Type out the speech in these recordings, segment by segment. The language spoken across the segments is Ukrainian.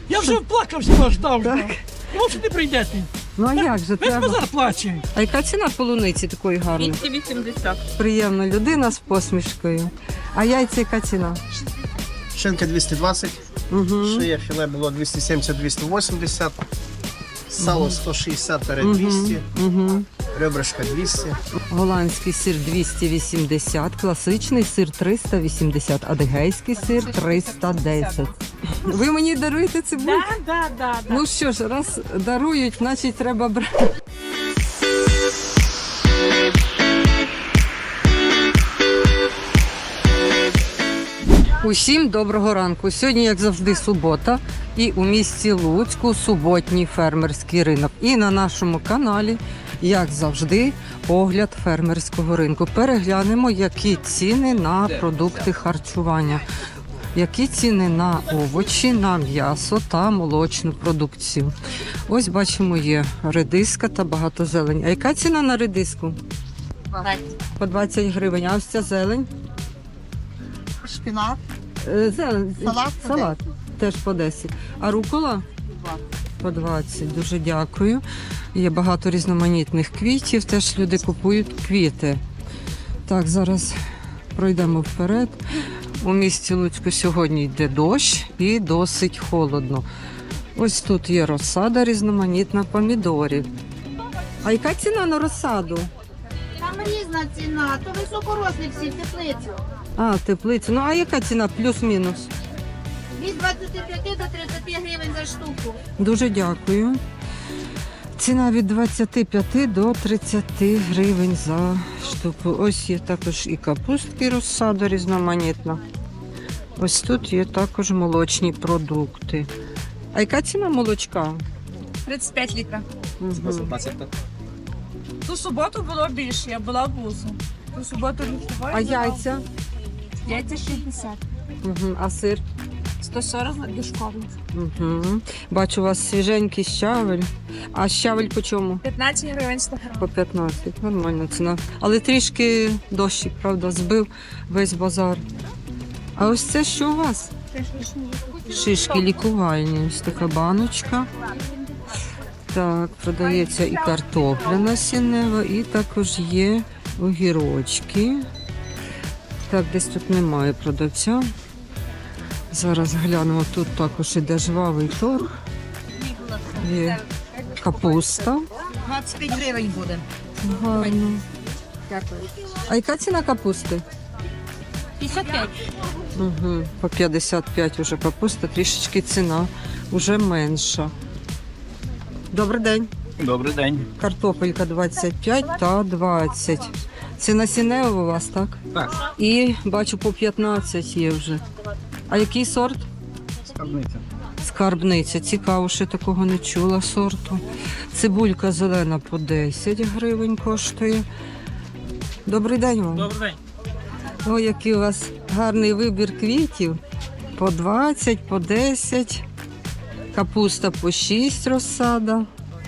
Я вже плакався вас ждав. Так. Ну, що не прийдете? Ну а як же Весь треба? базар плаче. А яка ціна полуниці такої гарної? 280. Приємна людина з посмішкою. А яйця яка ціна? Шинка 220, Угу. шия філе було 270-280, сало 160-200, Угу. ребрышко 200. Голландський сир 280, класичний сир 380, адигейський сир 310. Ви мені даруєте цибульку? Да. Ну що ж, раз дарують, значить треба брати. Усім доброго ранку. Сьогодні, як завжди, субота, і у місті Луцьку суботній фермерський ринок. І на нашому каналі, як завжди, огляд фермерського ринку. Переглянемо, які ціни на продукти харчування, які ціни на овочі, на м'ясо та молочну продукцію. Ось бачимо, є редиска та багато зелень. А яка ціна на редиску? По 20 гривень. А ось ця зелень? Шпінат. Зелень. Салат по Салат теж по 10. А рукола? По 20. Дуже дякую. Є багато різноманітних квітів, теж люди купують квіти. Так, зараз пройдемо вперед. У місті Луцьку сьогодні йде дощ і досить холодно. Ось тут є розсада різноманітна помідорів. А яка ціна на розсаду? Там різна ціна, то високорослі всі теплиці. А, теплиця. Ну а яка ціна плюс-мінус? Від 25 до 30 гривень за штуку. Дуже дякую. Ціна від 25 до 30 гривень за штуку. Ось є також і капустки розсада різноманітна. Ось тут є також молочні продукти. А яка ціна молочка? 35 літрів. Мгм. Ту суботу було більше, я була в вузу. Ту суботу літуваю. А яйця? Яйця 60. Угу. А сир? 140 дошковий. Угу. Бачу, у вас свіженький щавель. А щавель по чому? 15 гривень 100 гривень. По 15. Нормальна ціна. Але трішки дощик, правда, збив весь базар. А ось це що у вас? Шишки лікувальні. Ось така баночка. Так, продається і картопля насіннева, і також є огірочки. Так, десь тут немає продавця. Зараз глянемо, тут також іде жвавий торг. Є капуста. 25 гривень буде. Гарно. Дякую. А яка ціна капусти? 55. Угу. По 55 вже капуста, трішечки ціна вже менша. Добрий день. Добрий день. Картопелька 25 та 20. Це насіннева у вас, так? Так. І бачу, по 15 є вже. А який сорт? Скарбниця. Скарбниця. Цікаво, ще такого не чула сорту. Цибулька зелена по 10 гривень коштує. Добрий день вам. Добрий день. Ой, який у вас гарний вибір квітів. По 20, по 10. Капуста по 6 розсада.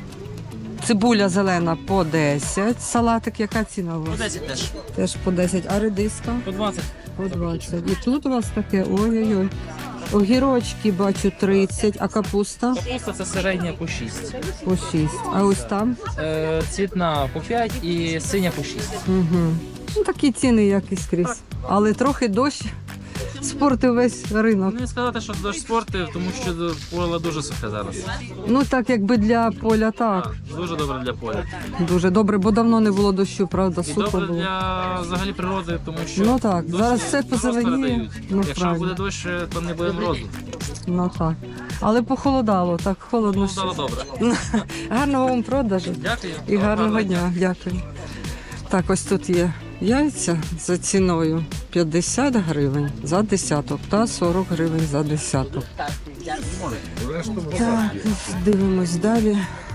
Цибуля зелена по 10. Салатик, яка ціна у вас? 10 теж. Теж по 10. А редиска? По 20. По 20. І тут у вас таке, ой-ой-ой. Огірочки бачу 30, а капуста? Капуста це середня по 6. По 6. А ось там? Цвітна по 5 і синя по 6. Угу. Ну, такі ціни, як і скрізь. Але трохи дощ спортив весь ринок. Не сказати, що дощ спортив, тому що поле дуже сухе зараз. Ну так, якби для поля, так. Дуже добре для поля. Дуже добре, бо давно не було дощу, правда, І сухо добре було. для взагалі природи, тому що Ну так, дощ зараз все просто позеленіє. передають. Ну, Якщо правильно. буде дощ, то не буде морозу. Ну так. Але похолодало, так холодно. Стало ще. добре. Гарного вам продажу Дякую. і гарного дня. Дякую. Так, ось тут є яйця за ціною 50 гривень за десяток та 40 гривень за десяток. Так, дивимось далі.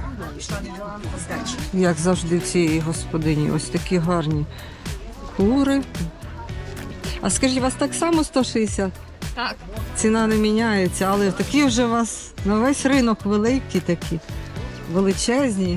Як завжди в цій господині, ось такі гарні кури. А скажіть, у вас так само 160? Так. Ціна не міняється, але такі вже у вас на весь ринок великі такі, величезні.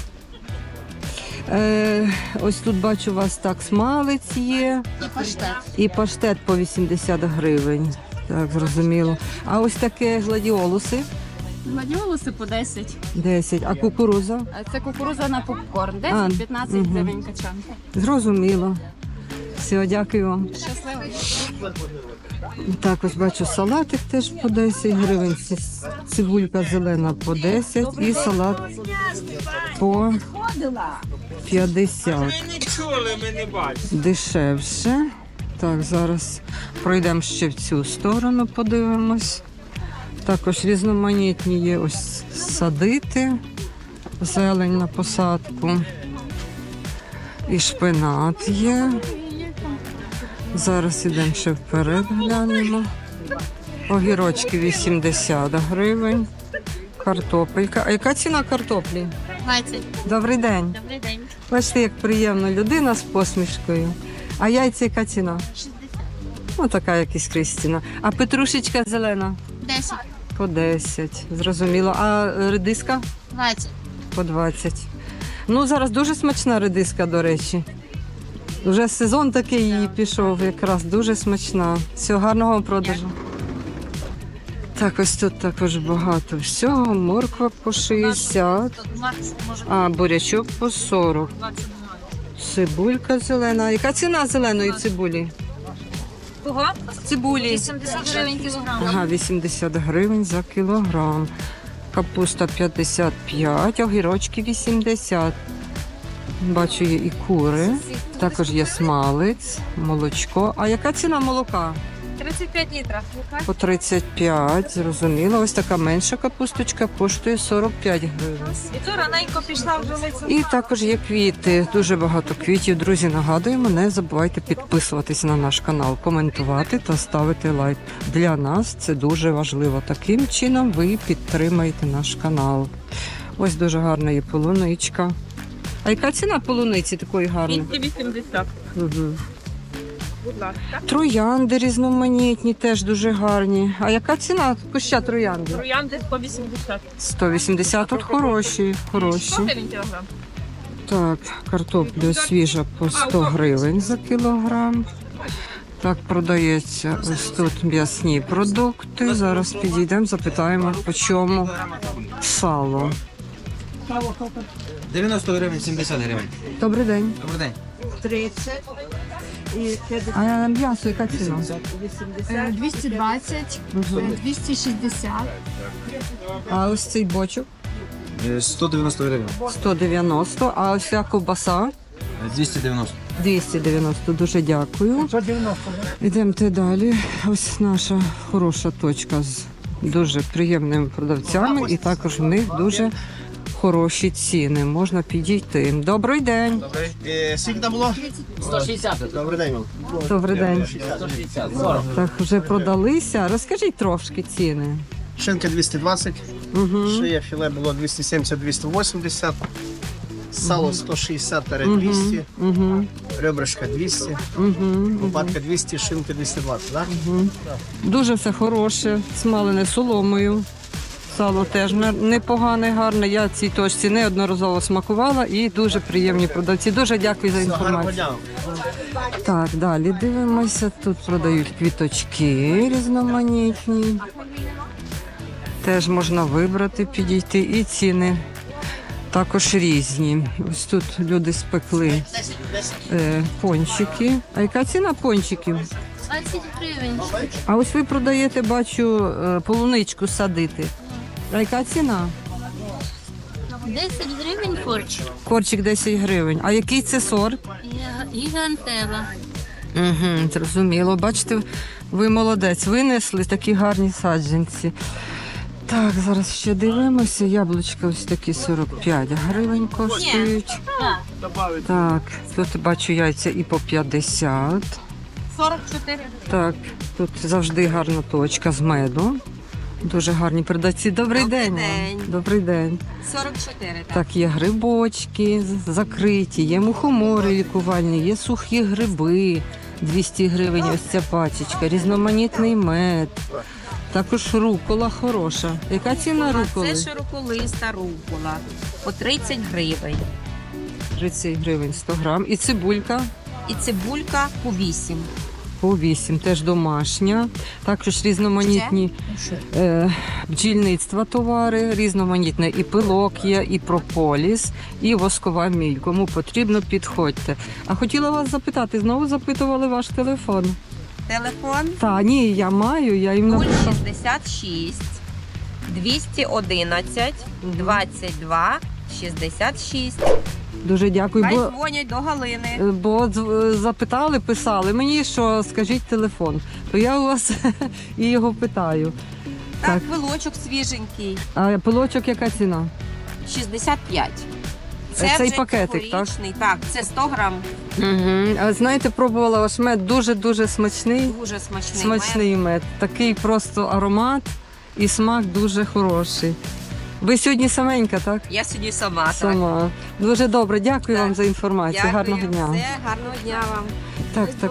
Ось тут бачу, у вас так смалець є. І паштет. І паштет по 80 гривень. Так, зрозуміло. А ось таке гладіолуси Гладіолуси по 10. 10. А кукуруза? А це кукуруза на попкорн. А, 10-15 мгм. гривень качан. Зрозуміло. Все, дякую вам. Щасливо. Так, ось бачу, салатик теж по 10 гривень, цибулька зелена по 10 і салат по 50. Дешевше. Так, зараз пройдемо ще в цю сторону, подивимось. Також різноманітні є ось садити, зелень на посадку. І шпинат є. Зараз ідемо ще вперед, глянемо. Огірочки 80 гривень. Картопелька. А яка ціна картоплі? 20. Добрий день. Добрий день. Бачите, як приємно, людина з посмішкою. А яйця яка ціна? 60. Ну, така якась Крістіна. А петрушечка зелена? 10. По 10. Зрозуміло. А редиска? 20. По 20. Ну, зараз дуже смачна редиска, до речі. Вже сезон такий її пішов, якраз дуже смачна. Всього гарного вам продажу. Так, ось тут також багато всього. Морква по 60, а бурячок по 40. Цибулька зелена. Яка ціна зеленої цибулі? Кого? Цибулі. 80 гривень кілограм. Ага, 80 гривень за кілограм. Капуста 55, огірочки 80. Бачу, є і кури. Також є смалець, молочко. А яка ціна молока? 35 літрів. По 35, зрозуміло. Ось така менша капусточка коштує 45 гривень. І то раненько пішла вже лиця. І також є квіти, дуже багато квітів. Друзі, нагадуємо, не забувайте підписуватися на наш канал, коментувати та ставити лайк. Для нас це дуже важливо. Таким чином ви підтримаєте наш канал. Ось дуже гарна є полуничка. А яка ціна полуниці такої гарної? 280. Угу. Будь ласка. Троянди різноманітні, теж дуже гарні. А яка ціна куща троянди? Троянди 180. 180, тут хороші, хороші. 100 гривень кілограм. Так, картопля свіжа по 100 гривень за кілограм. Так, продається ось тут м'ясні продукти. Зараз підійдемо, запитаємо, по чому сало. 90 гривень, 70 гривень. Добрий день. Добрий день. А м'ясо яка ціна? 220, Мгм. 260. А ось цей бочок 190 гривень. 190, а ось ця ковбаса 290. 290. Дуже дякую. 190. Йдемте далі. Ось наша хороша точка з дуже приємними продавцями, і також в них дуже хороші ціни. Можна підійти. Добрий день. Скільки там було? 160. Добрий день вам. Добрий день. 160. 40. Так, вже продалися. Розкажіть трошки ціни. Шинка 220, Угу. шия філе було 270-280, сало 160-200, Угу. ребрышка 200, Угу. лопатка 200, шинка 220, да? Дуже все хороше, смалене соломою. Сало теж непогане, гарне. Я цій точці неодноразово смакувала і дуже приємні продавці. Дуже дякую за Все, гарного інформацію. дня. Так, далі дивимося. Тут продають квіточки різноманітні. Теж можна вибрати, підійти. І ціни також різні. Ось тут люди спекли пончики. А яка ціна пончиків? 20 гривень. А ось ви продаєте, бачу, полуничку садити. А яка ціна? 10 гривень корч. Корчик 10 гривень. А який це сорт? Гігантела. Угу, зрозуміло. Бачите, ви молодець, винесли такі гарні саджанці. Так, зараз ще дивимося. Яблучка ось такі 45 гривень коштують. Так, тут бачу яйця і по 50. 44. Так, тут завжди гарна точка з меду. Дуже гарні продавці. Добрий день. вам. Добрий день. 44. Так, є грибочки закриті, є мухомори лікувальні, є сухі гриби. 200 гривень ось ця пачечка, різноманітний мед. Також рукола хороша. Яка ціна руколи? Це широколиста рукола по 30 гривень. 30 гривень 100 грам. І цибулька І цибулька по 8. по 8, теж домашня. Також різноманітні бджільництва товари, різноманітне і пилок є, і прополіс, і воскова міль. Кому потрібно, підходьте. А хотіла вас запитати, знову запитували ваш телефон. Телефон Та, ні, я маю, я їм написала. 066 211 22 66. Дуже дякую. Хай Бо дзвонять до Галини. запитали, писали мені, що скажіть телефон. То я у вас і його питаю. Так, пилочок свіженький. А пилочок яка ціна? 65. Цей вже пакетик, так? цьогорічний. Так, це 100 грам. Угу. А знаєте, пробувала ваш мед, дуже-дуже смачний. Дуже смачний. Смачний мед. Такий просто аромат і смак дуже хороший. Ви сьогодні саменька, так? Я сьогодні сама. Так. Сама. Дуже добре, дякую Так. вам за інформацію. Дякую. Гарного дня. Все, гарного дня вам. Так, так.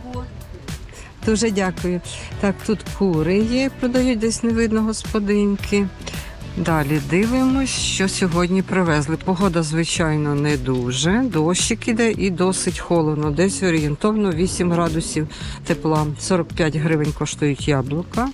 Дуже дякую. Так, тут кури є, продають, десь не видно господинки. Далі дивимось, що сьогодні привезли. Погода, звичайно, не дуже. Дощик іде і досить холодно. Десь орієнтовно 8 градусів тепла. 45 гривень коштують яблука.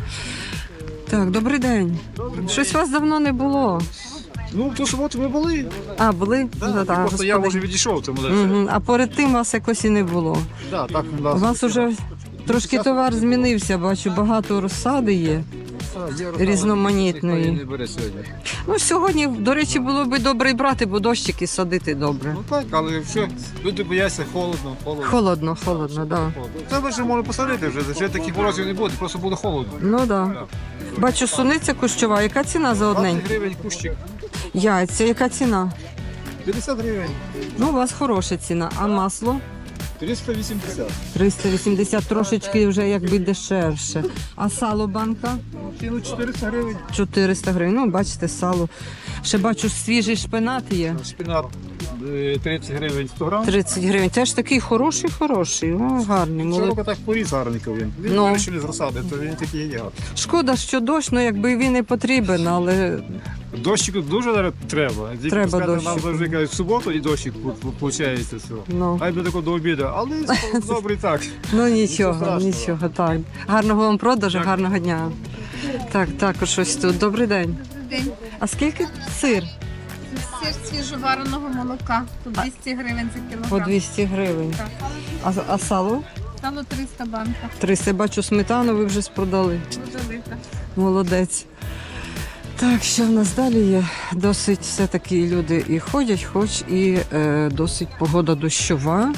Так, добрий день. Щось вас давно не було. Ну, в ту суботу ми були. А, були? Да, просто я вже відійшов, тому Угу. А перед тим вас якось і не було. да, так у У нас. вас уже трошки товар змінився, бачу, багато розсади є. Різноманітної. Не бере сьогодні. Ну, сьогодні, до речі, було б добре і брати, бо дощики садити добре. Ну так, але все, люди бояться холодно. Холодно, холодно, так. Да. Це вже можна посадити вже таких морозів не буде, просто буде холодно. Ну так. Да. Бачу, суниця кущова. Яка ціна за 20 одненьку? гривень кущик. Яйця, яка ціна? 50 гривень. Ну, у вас хороша ціна. А масло? 380. 380, трошечки вже якби дешевше. А сало банка? Ціну 400 гривень. 400 гривень. Ну, бачите, сало. Ще бачу, свіжий шпинат є. Шпинат 30 гривень 100 грам. 30 гривень. Теж такий хороший. О, гарний. Цього року так поріз гарненько він. Він Ну. вирішили з розсади, то він такий є гарний. Шкода, що дощ, ну якби він не потрібен, але Дощику дуже зараз треба. Тільки Треба пускай дощику. Нам завжди кажуть, в суботу і дощик виходить. Все. ну, Хай буде тако до обіду, але добре і так. ну Нічого нічого, страшного. нічого, так. Гарного вам продажу, гарного дня. Так, також ось тут. Добрий день. День. А скільки сир? Сир свіжовареного молока. По 200 гривень за По кілограм. 200 гривень. Так. А сало? Стало 300 банка. 300. Бачу, сметану ви вже спродали. Дуже велика. Молодець. Так, що в нас далі є? Досить все-таки люди і ходять, хоч і досить погода дощова.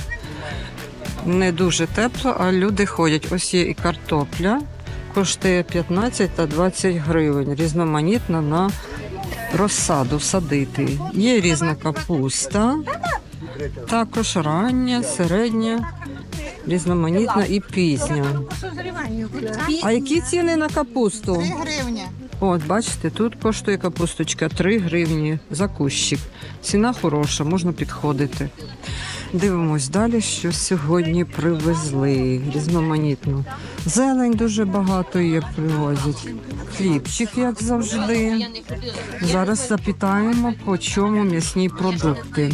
Не дуже тепло, а люди ходять. Ось є і картопля. Коштує 15 та 20 гривень. Різноманітна на розсаду садити. Є різна капуста. Також рання, середня, різноманітна і пізня. А які ціни на капусту? 3 гривні. От, бачите, тут коштує капусточка 3 гривні за кущик. Ціна хороша, можна підходити. Дивимось далі, що сьогодні привезли. Різноманітно. Зелень дуже багато є, привозять. Хлібчик, як завжди. Зараз запитаємо, по чому м'ясні продукти.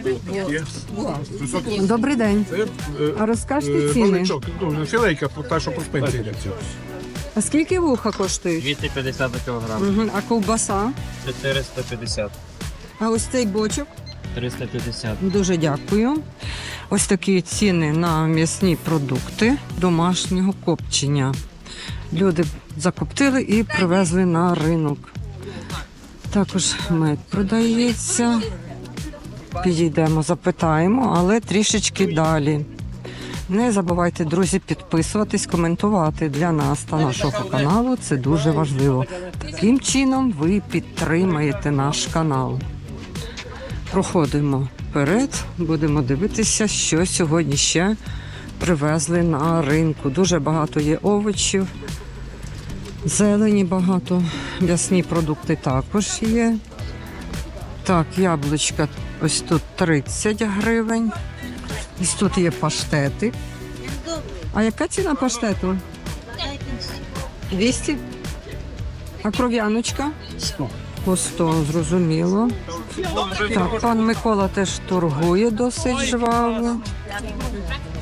Добрий день. А розкажете ціни? Філейка, та, що по спинці. А скільки вуха коштують? 250 за кілограм. Мгм. А ковбаса? 450. А ось цей бочок? 350. Дуже дякую. Ось такі ціни на м'ясні продукти домашнього копчення. Люди закоптили і привезли на ринок. Також мед продається. Підійдемо, запитаємо, але трішечки далі. Не забувайте, друзі, підписуватись, коментувати для нас та нашого каналу. Це дуже важливо. Таким чином ви підтримаєте наш канал. Проходимо вперед, будемо дивитися, що сьогодні ще привезли на ринку. Дуже багато є овочів, зелені багато, м'ясні продукти також є. Так, яблучка ось тут 30 гривень. Ось тут є паштети. А яка ціна паштету? 200? А кров'яночка? 100. По 100, зрозуміло. Так, пан Микола теж торгує досить жваво.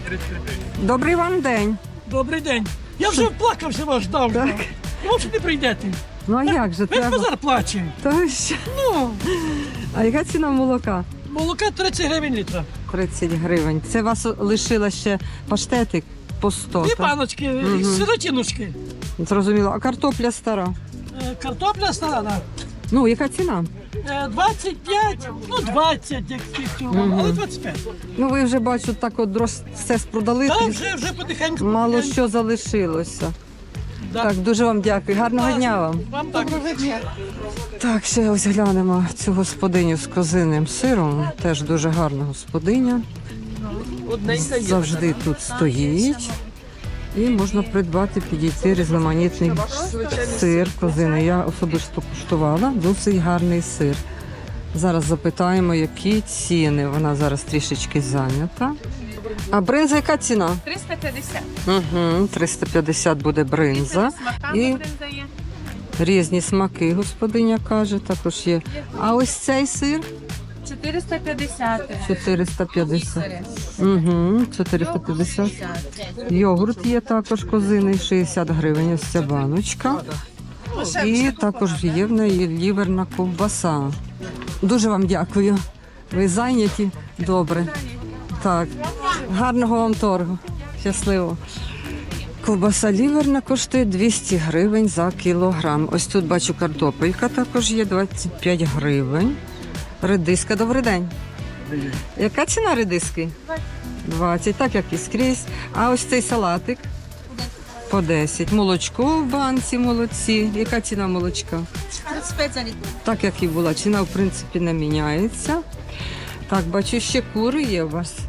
Добрий вам день. Добрий день. Я вже вплакався вас ждав. Так. Думав, що не прийдете. Ну а як же Весь треба? базар плаче. Та що? Ну, А яка ціна молока? молока 30 гривень літра. 30 гривень. Це вас лишила ще паштетик по 100. Дві так? баночки, сиротіночки. Зрозуміло. А картопля стара? Картопля стара, да. Ну, яка ціна? 25, ну 20, як цього, але 25. Ну, ви вже бачу, так от все спродали. Так, вже потихеньку. Мало що залишилося. Да. Так, дуже вам дякую. Гарного дня вам. Вам доброго дня. Так, ще ось глянемо цю господиню з козиним сиром. Теж дуже гарна господиня. Завжди тут стоїть. І можна придбати, підійти різноманітний сир козини. Я особисто куштувала, досить гарний сир. Зараз запитаємо, які ціни. Вона зараз трішечки зайнята. А бринза яка ціна? 350. Угу, 350 буде бринза. І Бринза є. різні смаки, господиня каже, також є. А ось цей сир 450. 450. Угу, 450. Йогурт є також козиний, 60 гривень, ось ця баночка. І також є в неї ліверна ковбаса. Дуже вам дякую. Ви зайняті? Добре. Так, гарного вам торгу. Щасливо. Ковбаса ліверна коштує 200 гривень за кілограм. Ось тут бачу картопелька також є 25 гривень. Редиска, добрий день. Яка ціна редиски? 20, так як і скрізь. А ось цей салатик? По 10. Молочко в банці молодці. Яка ціна молочка? 35 за літр. Так як і була. Ціна, в принципі, не міняється. Так, бачу, ще кури є у вас.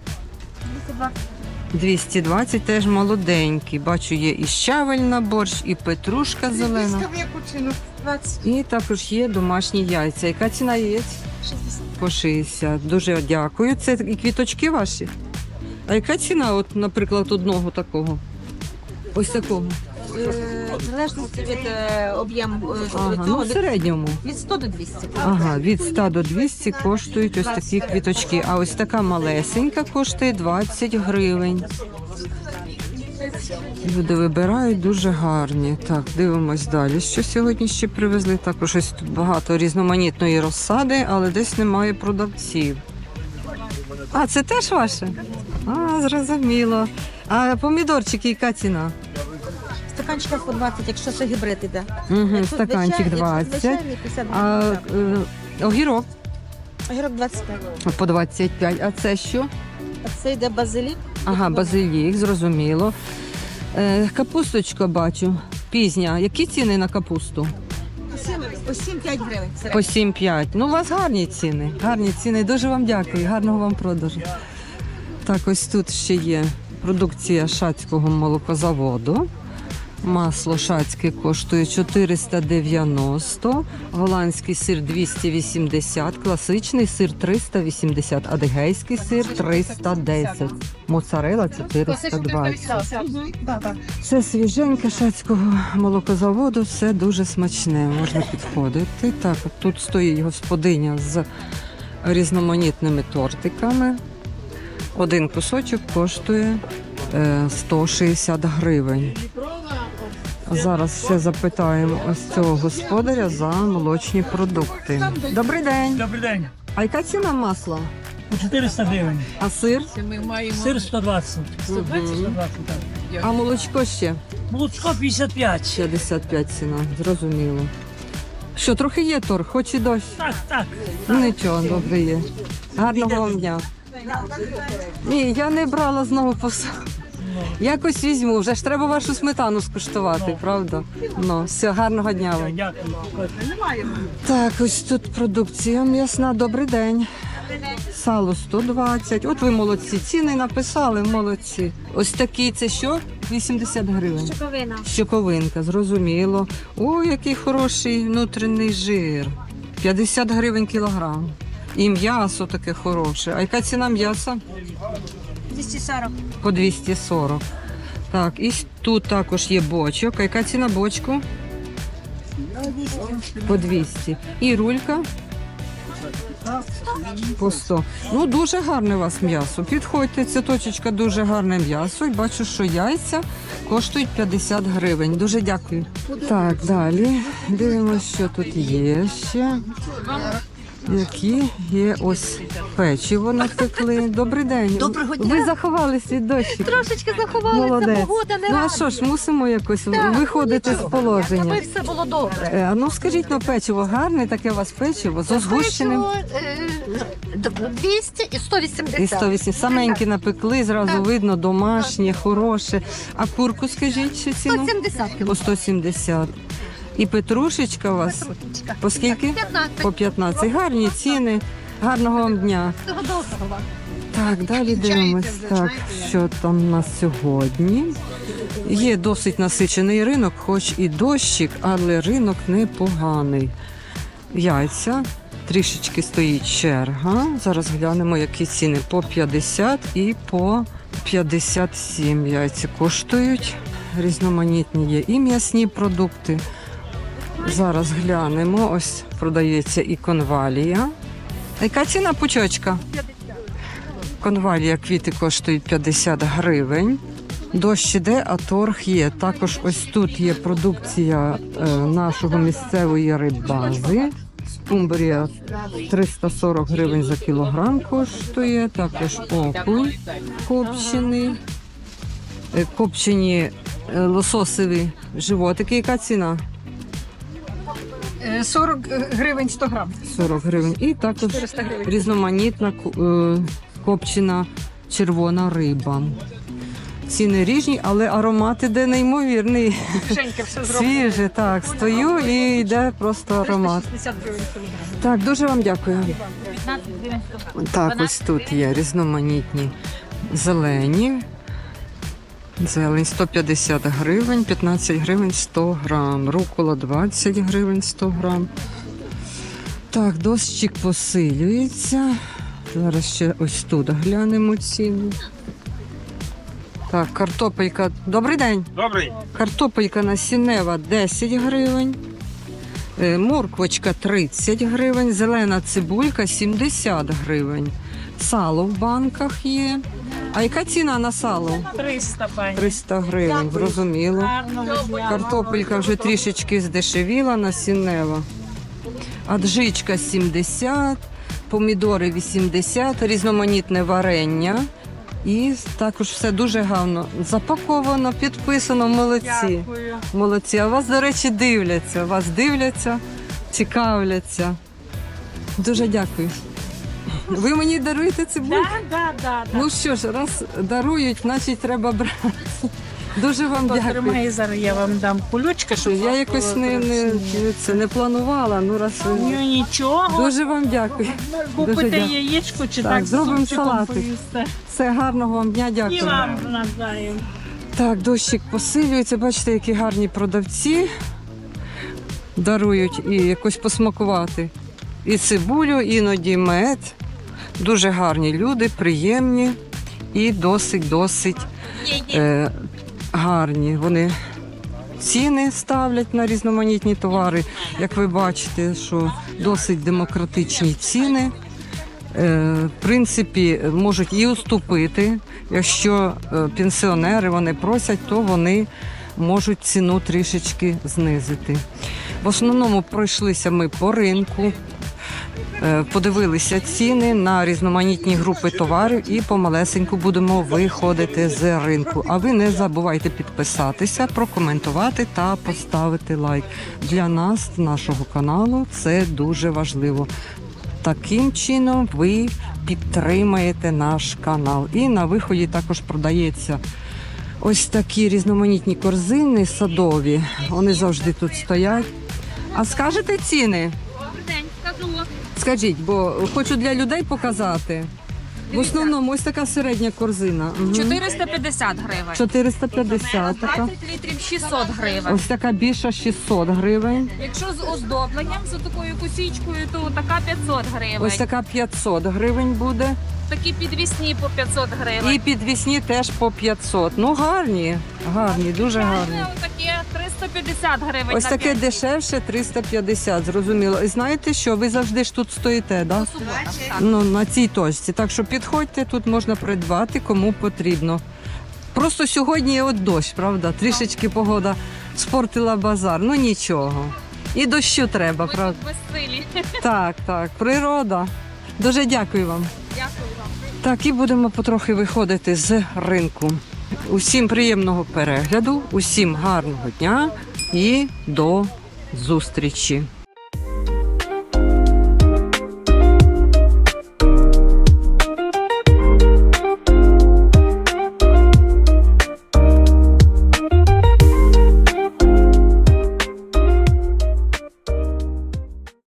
220, теж молоденькі. Бачу, є і щавель на борщ, і петрушка зелена. І також є домашні яйця. Яка ціна яєць? 60. По 60. Дуже дякую. Це і квіточки ваші? А яка ціна, от, наприклад, одного такого? Ось такого? В залежності від об'єму Ага, ну в середньому. від 100 до 200. Ага, від 100 до 200 коштують ось такі квіточки. А ось така малесенька коштує 20 гривень. Люди вибирають дуже гарні. Так, дивимось далі, що сьогодні ще привезли. Також ось тут багато різноманітної розсади, але десь немає продавців. А, це теж ваше? А, зрозуміло. А помідорчики, яка ціна? Стаканчика по 20, якщо це гібрид іде. Угу, стаканчик 20. А огірок Огірок 25. по 25. А це що? А це йде базилік. Ага, базилік, зрозуміло. Капусточка бачу, пізня. Які ціни на капусту? По 7-5 гривень. По 7,5. Ну, у вас гарні ціни. Гарні ціни. Дуже вам дякую. Гарного вам продажу. Так, ось тут ще є продукція Шацького молокозаводу. Масло шацьке коштує 490, голландський сир 280, класичний сир 380, адигейський сир 310, моцарела 420. Це свіженьке шацького молокозаводу, все дуже смачне, можна підходити. Так, от тут стоїть господиня з різноманітними тортиками. Один кусочок коштує 160 гривень. Зараз все запитаємо ось цього господаря за молочні продукти. Добрий день. Добрий день. А яка ціна масла? 400 гривень. А сир? Сир 120. 120, так. А молочко ще? Молочко 55. 55 ціна, зрозуміло. Що, трохи є торг, хоч і дощ? Так. Ну нічого, добре є. Гарного вам дня. Ні, я не брала знову посаду. Якось візьму, вже ж треба вашу сметану скуштувати, правда? Ну, все, гарного дня вам. Дякую. Так, ось тут продукція м'ясна. Добрий день. Сало 120. От ви молодці. Ціни написали, молодці. Ось такий, це що? 80 гривень. Щоковина. Щоковинка, зрозуміло. Ой, який хороший внутрішній жир. 50 гривень кілограм. І м'ясо таке хороше. А яка ціна м'яса? 240. По 240. Так, і тут також є бочок. А яка ціна бочку? По 200. І рулька? По 100. Ну, дуже гарне у вас м'ясо. Підходьте, це точечка дуже гарне м'ясо. І бачу, що яйця коштують 50 гривень. Дуже дякую. Так, далі. Дивимося, що тут є ще. Які є ось печиво напекли. Добрий день. Доброго дня. Ви заховались від дощу. Трошечки заховалися, Молодець. погода не Ну а що ж, мусимо якось виходити з положення. аби все було добре. А ну скажіть, ну печиво гарне, таке у вас печиво з озгущеним. Печиво, 200 і 180. І 108. Саменькі напекли, зразу видно, домашнє, хороше. А курку, скажіть, що ціну? 170 По 170. І петрушечка у вас по скільки? 15. По 15. Гарні ціни. Гарного вам дня. Всього доброго. Так, далі дивимось. Так, що там у нас сьогодні. Є досить насичений ринок, хоч і дощик, але ринок непоганий. Яйця. Трішечки стоїть черга. Зараз глянемо, які ціни. По 50 і по 57 яйця коштують. Різноманітні є і м'ясні продукти. Зараз глянемо. Ось продається і конвалія. Яка ціна пучочка? Конвалія, квіти коштують 50 гривень. Дощ іде, а торг є. Також ось тут є продукція нашого місцевої риббази. Скумбрія 340 гривень за кілограм коштує. Також окунь копчений. Копчені лососові животики. Яка ціна? 40 гривень 100 грам. 40 гривень. І також різноманітна копчена червона риба. Ціни різні, але аромат іде неймовірний. Женька все зробила. Свіже, так. Стою і йде просто аромат. 50 гривень. Так, дуже вам дякую. 15 гривень 100 грам. Так, ось тут є різноманітні зелені. Зелень 150 гривень, 15 гривень 100 грам. Рукола 20 гривень 100 грам. Так, дощик посилюється. Зараз ще ось тут глянемо ціни. Так, картопелька. Добрий день. Добрий. Картопелька насіннева 10 гривень. Морквочка 30 гривень. Зелена цибулька 70 гривень. Сало в банках є. А яка ціна на сало? 300, пані. 300 гривень, зрозуміло. Гарного дня. Картопелька вже трішечки здешевіла, насіннева. Аджичка 70, помідори 80, різноманітне варення. І також все дуже гарно запаковано, підписано. Молодці. Дякую. Молодці. А вас, до речі, дивляться, цікавляться. Дуже дякую. Ви мені даруєте цибульку? Да. Ну що ж, раз дарують, значить треба брати. Дуже вам дякую. Потримай, зараз я вам дам кулючка, щоб Я якось не планувала. Ну раз ви... Ну, нічого. Дуже вам дякую. Купите дякую. яєчко чи Так, так, зробимо з супчиком салатик. поїсте. Все, гарного вам дня, І дякую. вам навзаєм. Так, дощик посилюється. Бачите, які гарні продавці дарують і якось посмакувати. І цибулю, іноді мед. Дуже гарні люди, приємні і досить гарні. Вони ціни ставлять на різноманітні товари. Як ви бачите, що досить демократичні ціни. В принципі, можуть і уступити. Якщо пенсіонери вони просять, то вони можуть ціну трішечки знизити. В основному пройшлися ми по ринку, подивилися ціни на різноманітні групи товарів і помалесеньку будемо виходити з ринку. А ви не забувайте підписатися, прокоментувати та поставити лайк. Для нас, нашого каналу, це дуже важливо. Таким чином ви підтримаєте наш канал. І на виході також продається ось такі різноманітні корзини садові. Вони завжди тут стоять. А скажете ціни? Добрий день, скажу. Скажіть, бо хочу для людей показати. В основному ось така середня корзина. Мгм. 450 гривень. 450 така. 20 літрів 600 гривень. Ось така більша 600 гривень. Якщо з оздобленням, з такою косічкою, то така 500 гривень. Ось така 500 гривень буде. Такі підвісні по 500 гривень. І підвісні теж по 500. Ну гарні, дуже гарні. Таке 300 350 гривень. Ось на таке 5. дешевше 350, зрозуміло. І знаєте що, ви завжди ж тут стоїте, да? По суботам, так. Ну, на цій точці. Так що підходьте, тут можна придбати, кому потрібно. Просто сьогодні от дощ, правда? Трішечки погода спортила базар. Ну нічого. І дощу треба, Ми правда? тут безсилі. Так, так, природа. Дуже дякую вам. Дякую вам. Так, і будемо потрохи виходити з ринку. Усім приємного перегляду, усім гарного дня і до зустрічі.